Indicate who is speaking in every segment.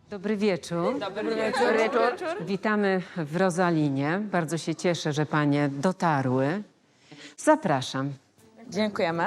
Speaker 1: Dobry wieczór.
Speaker 2: Dobry wieczór.
Speaker 1: Witamy w Rozalinie. Bardzo się cieszę, że panie dotarły. Zapraszam.
Speaker 2: Dziękujemy.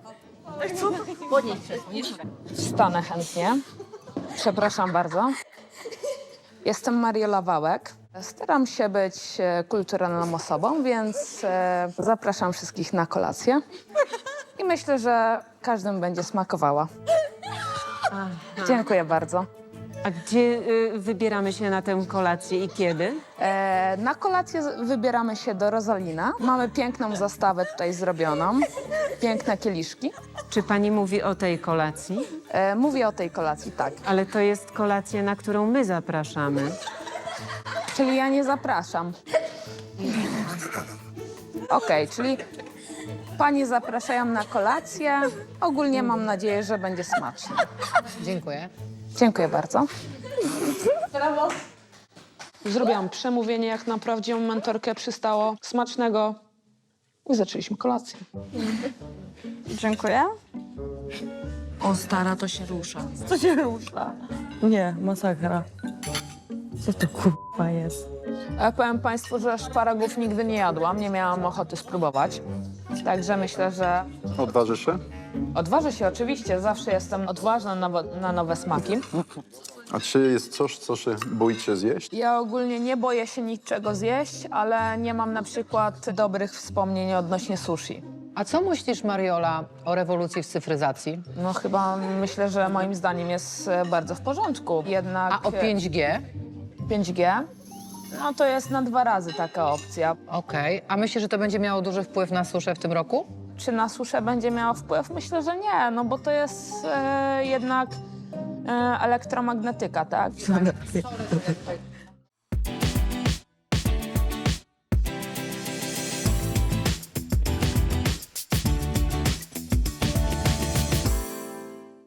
Speaker 2: Wstanę chętnie. Przepraszam bardzo. Jestem Mariola Wałek. Staram się być kulturalną osobą, więc zapraszam wszystkich na kolację. I myślę, że każdym będzie smakowała. Dziękuję bardzo.
Speaker 1: A gdzie wybieramy się na tę kolację i kiedy?
Speaker 2: Na kolację wybieramy się do Rosalina. Mamy piękną zastawę tutaj zrobioną. Piękne kieliszki.
Speaker 1: Czy pani mówi o tej kolacji?
Speaker 2: Mówię o tej kolacji, tak.
Speaker 1: Ale to jest kolacja, na którą my zapraszamy.
Speaker 2: Czyli ja nie zapraszam. Okej, czyli panie zapraszają na kolację. Ogólnie mam nadzieję, że będzie smacznie.
Speaker 3: Dziękuję.
Speaker 2: Dziękuję bardzo.
Speaker 4: Zrobiłam przemówienie, jak na prawdziwą mentorkę przystało. Smacznego. I zaczęliśmy kolację.
Speaker 5: Dziękuję.
Speaker 3: O, stara, to się rusza.
Speaker 5: Co się rusza? Nie, masakra. Co to kurwa jest?
Speaker 2: Powiem państwu, że szparagów nigdy nie jadłam. Nie miałam ochoty spróbować. Także myślę, że
Speaker 6: Odważysz się?
Speaker 2: odważę się oczywiście. Zawsze jestem odważna na nowe smaki.
Speaker 6: A czy jest coś, co się boicie zjeść?
Speaker 2: Ja ogólnie nie boję się niczego zjeść, ale nie mam na przykład dobrych wspomnień odnośnie sushi.
Speaker 3: A co myślisz, Mariola, o rewolucji w cyfryzacji?
Speaker 2: No chyba myślę, że moim zdaniem jest bardzo w porządku. Jednak
Speaker 3: A o 5G?
Speaker 2: 5G, no to jest na 2 razy taka opcja.
Speaker 3: Okej. A myślisz, że to będzie miało duży wpływ na suszę w tym roku?
Speaker 2: Czy na suszę będzie miało wpływ? Myślę, że nie, no bo to jest jednak elektromagnetyka, tak?